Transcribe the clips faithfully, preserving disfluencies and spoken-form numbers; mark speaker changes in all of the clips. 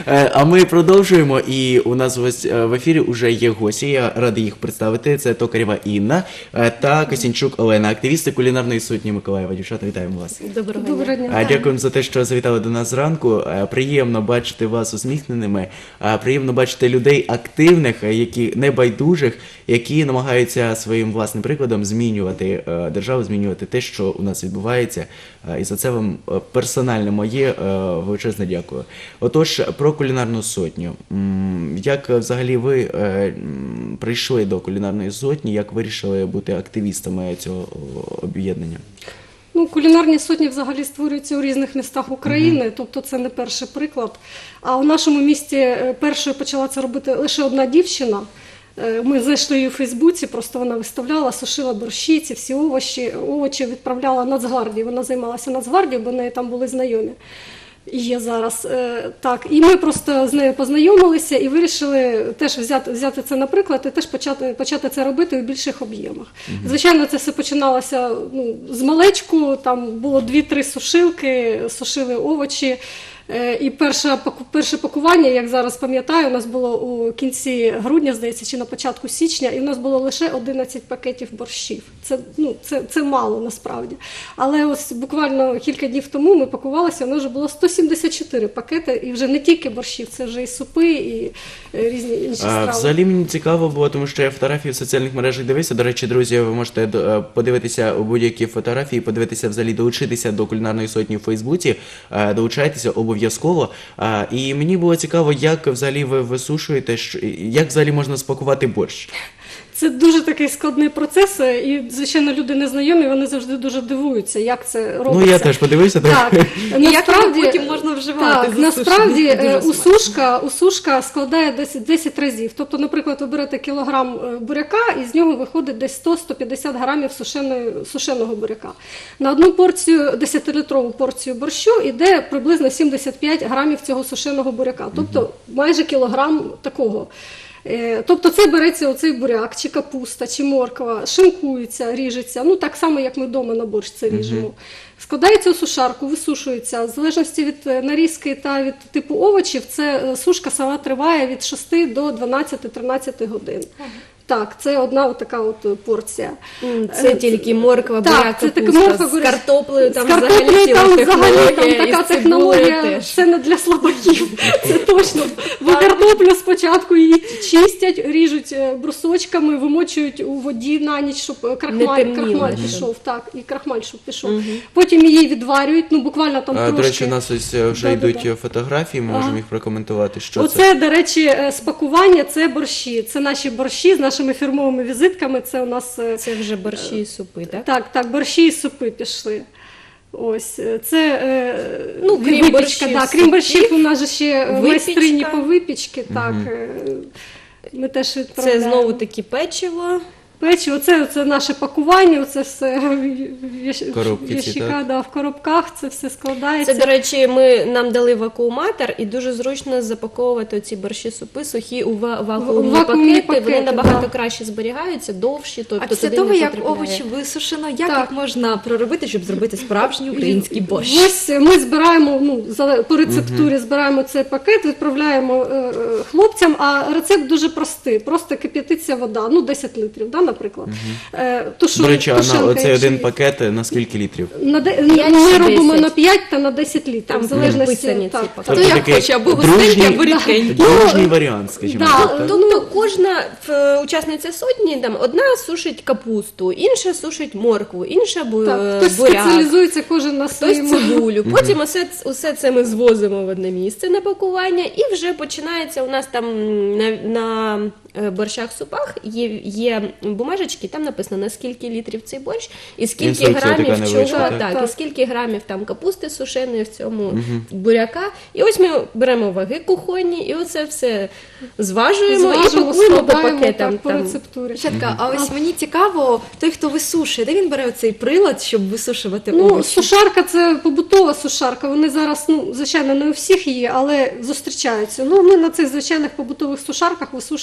Speaker 1: А ми продовжуємо, і у нас ось в ефірі вже є гості, я радий їх представити. Це Токарєва Інна та Косінчук Олена, активісти кулінарної сотні Миколаєва. Дівчата, вітаємо вас.
Speaker 2: Доброго дня.
Speaker 3: Доброго дня.
Speaker 1: Дякуємо за те, що завітали до нас зранку. Приємно бачити вас усміхненими, приємно бачити людей активних, які небайдужих, які намагаються своїм власним прикладом змінювати державу, змінювати те, що у нас відбувається. І за це вам персонально моє величезне дякую. Отож, про кулінарну сотню. Як взагалі ви прийшли до кулінарної сотні, як вирішили бути активістами цього об'єднання?
Speaker 3: Ну, кулінарні сотні взагалі створюються у різних містах України, mm-hmm. тобто це не перший приклад. А у нашому місті першою почала це робити лише одна дівчина. Ми знайшли її у Фейсбуці, просто вона виставляла, сушила борщі, ці всі овочі, овочі відправляла Нацгвардії. Вона займалася Нацгвардією, бо в неї там були знайомі. І є зараз. Так, і ми просто з нею познайомилися і вирішили теж взяти, взяти це на приклад і теж почати, почати це робити у більших об'ємах. Mm-hmm. Звичайно, це все починалося ну, з малечку, там було дві-три сушилки, сушили овочі. І перше, перше пакування, як зараз пам'ятаю, у нас було у кінці грудня, здається, чи на початку січня, і у нас було лише одинадцять пакетів борщів. Це, ну, це, це мало насправді. Але ось буквально кілька днів тому ми пакувалися, у нас вже було сто сімдесят чотири пакети, і вже не тільки борщів, це вже і супи, і різні інші страви.
Speaker 1: А, взагалі мені цікаво було, тому що я фотографії в соціальних мережах дивився. До речі, друзі, ви можете подивитися у будь-які фотографії, подивитися взагалі, долучитися до кулінарної сотні в Фейсбуці, долучайтеся обов'язково. Обов'язково. І мені було цікаво, як взагалі ви висушуєте, як взагалі можна спакувати борщ?
Speaker 3: Це дуже такий складний процес, і, звичайно, люди незнайомі, вони завжди дуже дивуються, як це робиться.
Speaker 1: Ну, я теж подивився.
Speaker 3: Так, насправді,
Speaker 2: потім можна вживати.
Speaker 3: Так, насправді, усушка, усушка складає десь десять разів. Тобто, наприклад, ви берете кілограм буряка, і з нього виходить десь сто-сто п'ятдесят грамів сушеної, сушеного буряка. На одну порцію, десятилітрову порцію борщу, йде приблизно сімдесят п'ять грамів цього сушеного буряка. Тобто, майже кілограм такого. Тобто це береться оцей буряк, чи капуста, чи морква, шинкується, ріжеться, ну так само, як ми вдома на борщ це ріжемо. Складається у сушарку, висушується. В залежності від нарізки та від типу овочів, це сушка сама триває від шести до дванадцяти-тринадцяти годин. Так, це одна така от порція.
Speaker 2: Це тільки морква, буряк, капуста, з картоплею, там
Speaker 3: взагалі там взагалі там така технологія, це не для слабаків, це точно. Бо картоплю спочатку її чистять, ріжуть брусочками, вимочують у воді на ніч, щоб крахмаль, крахмаль пішов, так, і крахмаль, щоб пішов. Угу. Потім її відварюють, ну буквально там
Speaker 1: а,
Speaker 3: трошки.
Speaker 1: До речі, у нас ось вже да, йдуть да, фотографії, ми ага. можемо їх прокоментувати, що
Speaker 3: Оце,
Speaker 1: це.
Speaker 3: Оце, до речі, спакування, це борщі, це наші борщі з нашими фірмовими візитками, це у нас...
Speaker 2: Це вже борщі і супи, так?
Speaker 3: Так, так, борщі і супи пішли. Ось, це
Speaker 2: ну, крім
Speaker 3: випічка,
Speaker 2: борщів,
Speaker 3: да, крім борщів, у нас же ще
Speaker 2: випічка.
Speaker 3: майстрині по випічці, так, ми теж відправляємо.
Speaker 2: Це знову таки печиво.
Speaker 3: Печиво, це, це наше пакування, це все
Speaker 1: коробки,
Speaker 3: в ящика, да, в коробках, це все складається.
Speaker 2: Це, до речі, ми, нам дали вакууматор, і дуже зручно запаковувати ці борщі-супи сухі у вакуумні, вакуумні пакети, пакети, вони набагато да. краще зберігаються, довші. Тобто
Speaker 4: а після того, як овочі висушено, як їх можна проробити, щоб зробити справжній український борщ?
Speaker 3: Ось ми збираємо, ну, по рецептурі угу. збираємо цей пакет, відправляємо е, хлопцям, а рецепт дуже простий, просто кип'ятиться вода, ну, десять литрів, да, наприклад.
Speaker 1: Угу.
Speaker 3: Тушу,
Speaker 1: До речі, а на цей один
Speaker 3: є.
Speaker 1: пакет на скільки літрів?
Speaker 3: На де... Ми робимо на п'ять та на десять літрів. Там в залежності.
Speaker 2: Так.
Speaker 1: Хто тобто як
Speaker 4: хоче, або густенький, або рідкенький.
Speaker 1: Дружній варіант, скажімо
Speaker 3: да.
Speaker 1: так.
Speaker 2: Тобто кожна учасниця сотні, там, одна сушить капусту, інша сушить моркву, інша бу...
Speaker 3: так, хтось
Speaker 2: буряк.
Speaker 3: Спеціалізується кожен на своєму.
Speaker 2: Хтось цибулю. Потім усе, усе це ми звозимо в одне місце на пакування, і вже починається у нас там на, на борщах-супах є, є бумажечки, там написано, на скільки літрів цей борщ, і скільки
Speaker 1: інструкція
Speaker 2: грамів чого,
Speaker 1: так,
Speaker 2: так,
Speaker 3: так.
Speaker 2: і скільки грамів там капусти сушеної в цьому угу. буряка. І ось ми беремо ваги кухонні, і оце все зважуємо, зважуємо і пакуємо по пакетам.
Speaker 3: Так, по рецептурі.
Speaker 4: Щатка, а ось мені цікаво, той, хто висушує, де він бере оцей прилад, щоб висушувати
Speaker 3: ну,
Speaker 4: овочі?
Speaker 3: Сушарка – це побутова сушарка, вони зараз, ну, звичайно, не у всіх є, але зустрічаються. Ну, ми на цих звичайних побутових сушарках висушуємо ці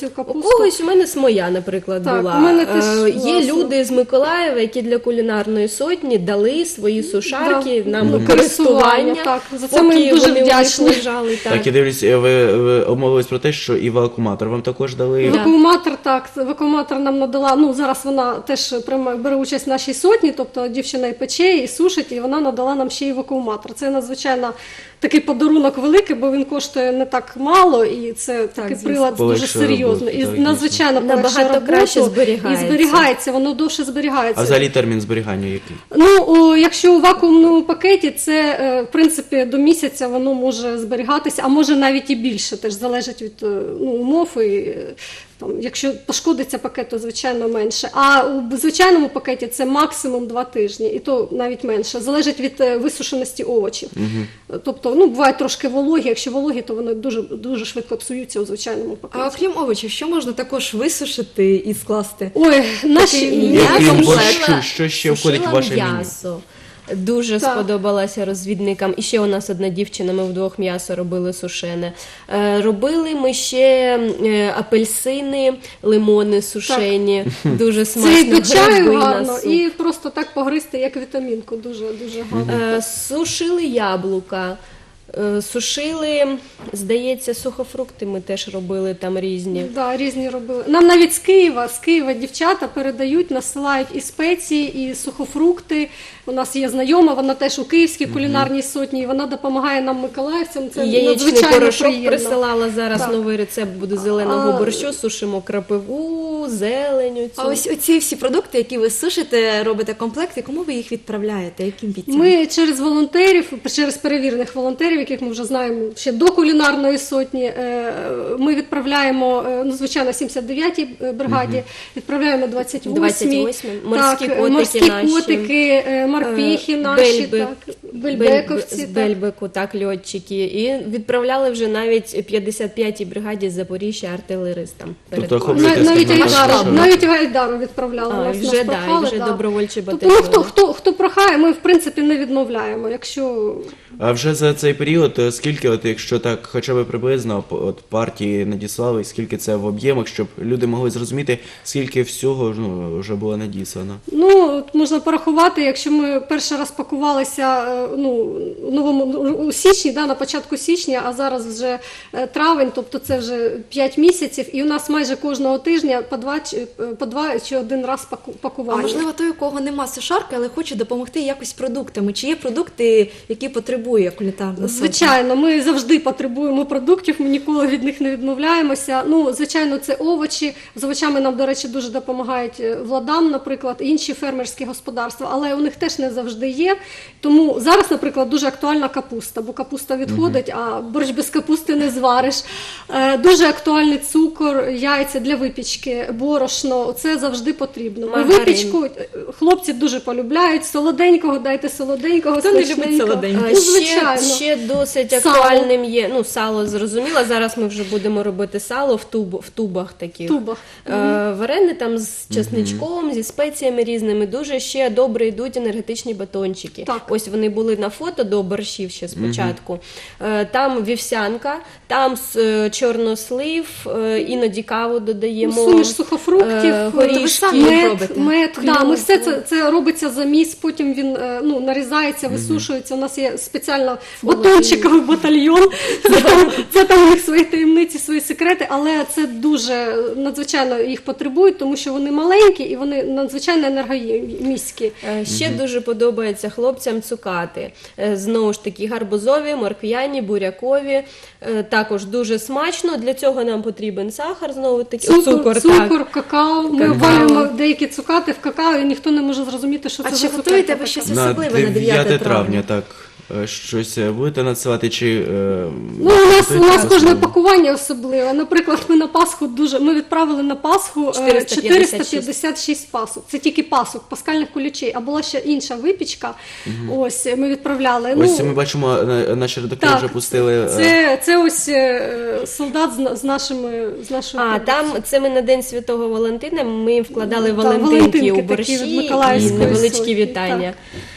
Speaker 3: цю
Speaker 2: У
Speaker 3: капусту.
Speaker 2: когось у мене смоя, наприклад,
Speaker 3: Так,
Speaker 2: була.
Speaker 3: у мене теж,
Speaker 2: Е, Є
Speaker 3: власне.
Speaker 2: люди з Миколаєва, які для кулінарної сотні дали свої сушарки
Speaker 3: Да.
Speaker 2: нам
Speaker 3: Ну,
Speaker 2: у користування.
Speaker 3: так. За це ми
Speaker 2: поки
Speaker 3: їм дуже
Speaker 2: вони у них
Speaker 3: вдячні.
Speaker 2: лежали. Так.
Speaker 1: Так, я дивлюсь, е, ви, ви обмовились про те, що і вакууматор вам також дали.
Speaker 3: Евакууматор, так, евакууматор нам надала, ну зараз вона теж прямо бере участь в нашій сотні, тобто дівчина і пече, і сушить, і вона надала нам ще й евакууматор. Це надзвичайно такий подарунок великий, бо він коштує не так мало, і це такий
Speaker 4: звісно.
Speaker 3: прилад дуже
Speaker 1: Полегшує
Speaker 3: серйозний.
Speaker 1: роботу,
Speaker 3: І
Speaker 1: так,
Speaker 3: надзвичайно
Speaker 2: Набагато
Speaker 3: полегшує роботу,
Speaker 2: краще зберігається.
Speaker 3: І зберігається, воно довше зберігається.
Speaker 1: А взагалі термін зберігання який?
Speaker 3: Ну, о, якщо у вакуумному пакеті, це, е, в принципі, до місяця воно може зберігатися, а може навіть і більше, теж залежить від е, ну, умов. І, е, там, якщо пошкодиться пакет, то звичайно менше. А у звичайному пакеті це максимум два тижні, і то навіть менше. Залежить від е, висушеності овочів. Тобто, ну, бувають трошки вологі, якщо вологі, то вони дуже, дуже швидко псуються у звичайному пакеті.
Speaker 4: А окрім овочів, що можна також висушити і скласти?
Speaker 3: Ой, наші
Speaker 4: Такий
Speaker 1: Я
Speaker 3: м'ясо
Speaker 1: крім
Speaker 2: сушила-
Speaker 1: борщу, що ще входить в
Speaker 2: сушила
Speaker 1: ваше меню?
Speaker 2: м'ясо. Дуже
Speaker 3: Так.
Speaker 2: сподобалася розвідникам. І ще у нас одна дівчина, ми вдвох м'ясо робили сушене. Е, робили ми ще е, апельсини, лимони сушені. Дуже
Speaker 3: Це і
Speaker 2: смачно.
Speaker 3: до чаю
Speaker 2: гриби на
Speaker 3: гарно,
Speaker 2: суп.
Speaker 3: і просто так погризти, як вітамінку. Дуже, дуже гарно.
Speaker 2: Е, Сушили яблука, е, сушили, здається, сухофрукти ми теж робили там різні.
Speaker 3: Да, різні робили. Нам навіть з Києва, з Києва дівчата передають, насилають і спеції, і сухофрукти. У нас є знайома, вона теж у Київській кулінарній сотні, і вона допомагає нам, миколаївцям. Це
Speaker 2: І яєчний
Speaker 3: надзвичайно
Speaker 2: порошок
Speaker 3: приємно.
Speaker 2: присилала. Зараз
Speaker 3: Так.
Speaker 2: новий рецепт буде зеленого
Speaker 3: А,
Speaker 2: борщу. Сушимо крапиву, зеленю. Цю.
Speaker 4: А ось оці всі продукти, які ви сушите, робите комплекти, кому ви їх відправляєте? Яким бійцям?
Speaker 3: Ми через волонтерів, через перевірених волонтерів, яких ми вже знаємо ще до кулінарної сотні, е, ми відправляємо, е, ну, звичайно, сімдесят дев'ятій бригаді, відправляємо двадцять восьмій.
Speaker 2: двадцять восьмій. Морські
Speaker 3: так,
Speaker 2: котики
Speaker 3: морські
Speaker 2: наші.
Speaker 3: котики, е, морпіхи
Speaker 2: Е,
Speaker 3: наші,
Speaker 2: Бельби.
Speaker 3: так, бельбековці.
Speaker 2: Бельб- з
Speaker 3: так.
Speaker 2: Бельбеку, так, льотчики. І відправляли вже навіть п'ятдесят п'ятій бригаді з Запоріжжя артилеристам. перед
Speaker 1: Тобто
Speaker 2: класом.
Speaker 1: охоплюєте
Speaker 3: На- Навіть
Speaker 1: скажімо,
Speaker 3: Айдару,
Speaker 1: масштабно.
Speaker 3: навіть Айдару відправляли.
Speaker 2: А,
Speaker 3: нас,
Speaker 2: вже,
Speaker 3: нас
Speaker 2: да,
Speaker 3: прохали,
Speaker 2: і вже
Speaker 3: да.
Speaker 2: добровольчі
Speaker 3: Тобто, ну, хто,
Speaker 2: батальйони.
Speaker 3: хто, хто прохає, ми в принципі не відмовляємо. Якщо
Speaker 1: А вже за цей період, е, скільки, от якщо так, хоча б приблизно, п- от партії надіслали, скільки це в об'ємах, щоб люди могли зрозуміти, скільки всього ну, вже було надіслано?
Speaker 3: ну от можна порахувати, якщо ми перший раз пакувалися е, ну, у новому ну, у січні, да, на початку січня, а зараз вже е, травень, тобто це вже п'ять місяців, і у нас майже кожного тижня по два чи по два чи один раз паку-
Speaker 4: А
Speaker 3: пакування.
Speaker 4: можливо, той, у кого нема сушарки, але хоче допомогти якось продуктами. Чи є продукти, які потребує кулінарна сотня?
Speaker 3: Звичайно, ми завжди потребуємо продуктів, ми ніколи від них не відмовляємося. Ну, звичайно, це овочі. З овочами нам, до речі, дуже допомагають е, Владам, наприклад, інші фермерські господарства, але у них теж не завжди є. Тому зараз, наприклад, дуже актуальна капуста, бо капуста відходить, а борщ без капусти не звариш. Е, Дуже актуальний цукор, яйця для випічки, борошно. Це завжди потрібно. Ми
Speaker 2: Маргарин.
Speaker 3: випічку е, хлопці дуже полюбляють. Солоденького, дайте солоденького,
Speaker 4: Хто не любить
Speaker 3: смачненького.
Speaker 4: солоденького?
Speaker 2: А,
Speaker 3: Ну,
Speaker 2: ще,
Speaker 3: звичайно.
Speaker 2: ще досить
Speaker 3: Сало.
Speaker 2: актуальним є. Ну, сало зрозуміло. Зараз ми вже будемо робити сало в, туб, в тубах таких.
Speaker 3: Тубах.
Speaker 2: Е, варени там з чесничком, зі спеціями різними. Дуже ще добре йдуть енергетичні батончики.
Speaker 3: Так.
Speaker 2: Ось вони були на фото до борщів ще спочатку. Е, там вівсянка, там е, чорнослив, е, іноді каву додаємо.
Speaker 3: Суміш сухофруктів,
Speaker 2: е, горішки.
Speaker 4: ви самі
Speaker 3: мед,
Speaker 4: робите?
Speaker 3: мед.
Speaker 2: Кльово.
Speaker 3: Да, ми все це, це робиться заміс, потім він е, ну, нарізається, висушується. У нас є спеціально батончиковий батальйон. Це там, це там у них свої таємниці, свої секрети, але це дуже надзвичайно їх потребують, тому що вони маленькі і вони надзвичайно енергоміські.
Speaker 2: Е, Ще дуже подобається хлопцям цукати. Е, Знову ж таки, гарбузові, морквяні, бурякові. Е, Також дуже смачно. Для цього нам потрібен сахар, знову таки
Speaker 3: Цукор,
Speaker 2: цукор,
Speaker 3: цукор,
Speaker 2: так.
Speaker 3: какао. Ми
Speaker 2: Какао.
Speaker 3: обвалюємо деякі цукати в какао, і ніхто не може зрозуміти, що
Speaker 4: А
Speaker 3: це
Speaker 4: чи
Speaker 3: за цукерка
Speaker 4: готуєте ви
Speaker 3: така.
Speaker 4: щось
Speaker 1: На
Speaker 4: особливе на
Speaker 1: дев'яте травня, так. Е, Щось е, будете надсилати чи. е,
Speaker 3: Ну, у нас, у
Speaker 1: готуєте
Speaker 3: нас кожне
Speaker 1: особливо?
Speaker 3: пакування особливе. Наприклад, ми на Пасху дуже ми відправили на Пасху е,
Speaker 2: чотириста п'ятдесят шість.
Speaker 3: чотириста п'ятдесят шість пасок. Це тільки пасок, паскальних кулічей. А була ще інша випічка. Ось ми відправляли.
Speaker 1: Ось
Speaker 3: ну,
Speaker 1: ми бачимо, на- наші редактори
Speaker 3: так,
Speaker 1: вже пустили. е,
Speaker 3: Це, це ось е, солдат з, на- з нашими з нашою.
Speaker 2: А, там це ми на День Святого Валентина, ми їм вкладали
Speaker 3: Так,
Speaker 2: валентинки
Speaker 3: валентинки
Speaker 2: у
Speaker 3: такі
Speaker 2: борщі
Speaker 3: від
Speaker 2: і
Speaker 3: Миколаївської
Speaker 2: невеличкі
Speaker 3: сотні,
Speaker 2: вітання.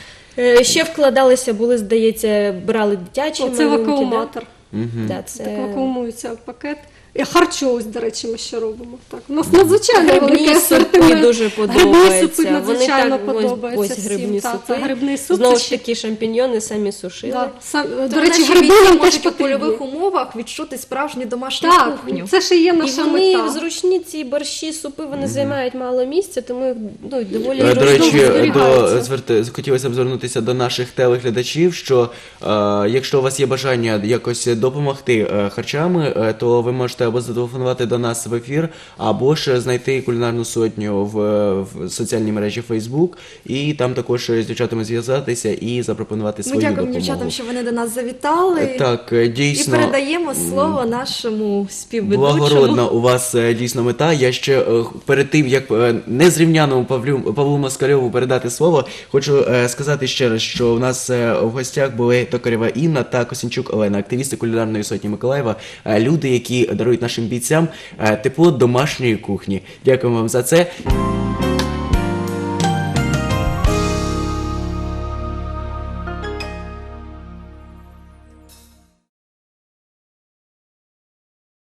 Speaker 2: Е, Ще вкладалися, були, здається, брали дитячі
Speaker 3: Оце
Speaker 2: малюнки.
Speaker 3: вакууматор.
Speaker 2: Да? Да, це...
Speaker 3: Так вакуумується пакет. І харчовось, до речі, ми ще робимо. Так, у нас надзвичайно
Speaker 2: Грибні
Speaker 3: великий
Speaker 2: супи
Speaker 3: асортимент.
Speaker 2: дуже
Speaker 3: Грибні
Speaker 2: подобаються.
Speaker 3: супи
Speaker 2: Вони
Speaker 3: надзвичайно
Speaker 2: так, ось-
Speaker 3: подобаються
Speaker 2: ось грибні
Speaker 3: всім. Так,
Speaker 2: супи.
Speaker 3: грибний суп.
Speaker 2: Знову
Speaker 3: це
Speaker 2: ж
Speaker 3: ще-
Speaker 2: таки, шампіньйони самі сушили.
Speaker 3: Да, сам, до
Speaker 4: То
Speaker 3: речі,
Speaker 4: наші
Speaker 3: гриби
Speaker 4: бійці
Speaker 3: нам теж
Speaker 4: можуть у
Speaker 3: потрібні.
Speaker 4: польових умовах відчути справжню домашню
Speaker 3: Так,
Speaker 4: кухню.
Speaker 3: це ще є
Speaker 2: І
Speaker 3: наша
Speaker 2: вони
Speaker 3: мета.
Speaker 2: зручні, ці борщі, супи, вони займають мало місця, тому їх ну, доволі
Speaker 1: Е, До
Speaker 2: зручно
Speaker 1: речі,
Speaker 2: зберігаються.
Speaker 1: до зверти хотілося б звернутися до наших телеглядачів, що е, якщо у вас є бажання якось допомогти е, харчами, е, то ви можете або зателефонувати до нас в ефір, або ж знайти кулінарну сотню в, в соціальній мережі Facebook, і там також з дівчатами зв'язатися і запропонувати
Speaker 4: Ми
Speaker 1: свою
Speaker 4: дякуємо
Speaker 1: допомогу.
Speaker 4: дівчатам, що вони до нас завітали.
Speaker 1: Е, Так, е,
Speaker 4: І
Speaker 1: дійсно.
Speaker 4: передаємо слово нашому співведучому.
Speaker 1: Благородна у вас е, дійсно мета. Я ще е, перед тим, як е, незрівняному Павлю, Павлу Москальову передати слово, хочу е, сказати ще раз, що у нас е, в гостях були Токарєва Інна та Косінчук Олена, активісти кулінарної сотні Миколаєва, е, люди, які дарують нашим бійцям е, тепло домашньої кухні. Дякуємо вам за це.